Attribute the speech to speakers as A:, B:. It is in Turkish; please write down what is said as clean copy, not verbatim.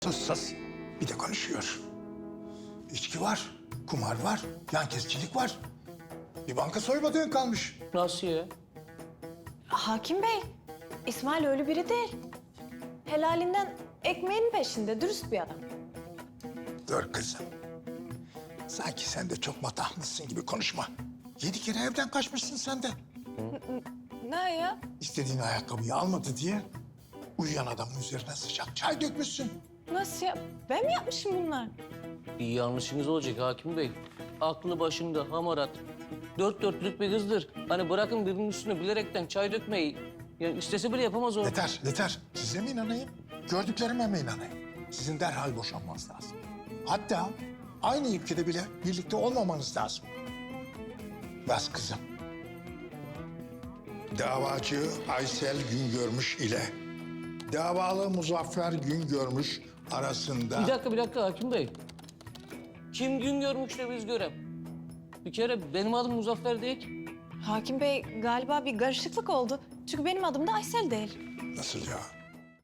A: Sus sus. Bir de konuşuyor. İçki var, kumar var, yan kesicilik var. Bir banka soymadığın kalmış.
B: Nasıl ya?
C: Hakim Bey, İsmail öyle biri değil. Helalinden ekmeğin peşinde, dürüst bir adam.
A: Dur kızım. Sanki sen de çok matahmışsın gibi konuşma. 7 kere evden kaçmışsın sen de.
C: Ne ya?
A: İstediğin ayakkabıyı almadı diye uyuyan adamın üzerine sıcak çay dökmüşsün.
C: Nasıl ya? Ben mi yapmışım bunlar?
B: Bir yanlışınız olacak Hakim Bey. Aklı başında, hamarat. Dört dörtlük bir kızdır. Hani bırakın birinin üstüne bilerekten çay dökmeyi. Yani istese bile yapamaz o.
A: Yeter, yeter. Size mi inanayım? Gördüklerime mi inanayım? Sizin derhal boşanmanız lazım. Hatta aynı ülkede bile birlikte olmamanız lazım. Bas kızım. Davacı Aysel Güngörmüş ile davalı Muzaffer Güngörmüş arasında...
B: Bir dakika Hakim Bey. Kim gün görmüş de biz görem. Bir kere benim adım Muzaffer değil ki.
C: Hakim Bey galiba bir karışıklık oldu. Çünkü benim adım da Aysel değil.
A: Nasıl ya?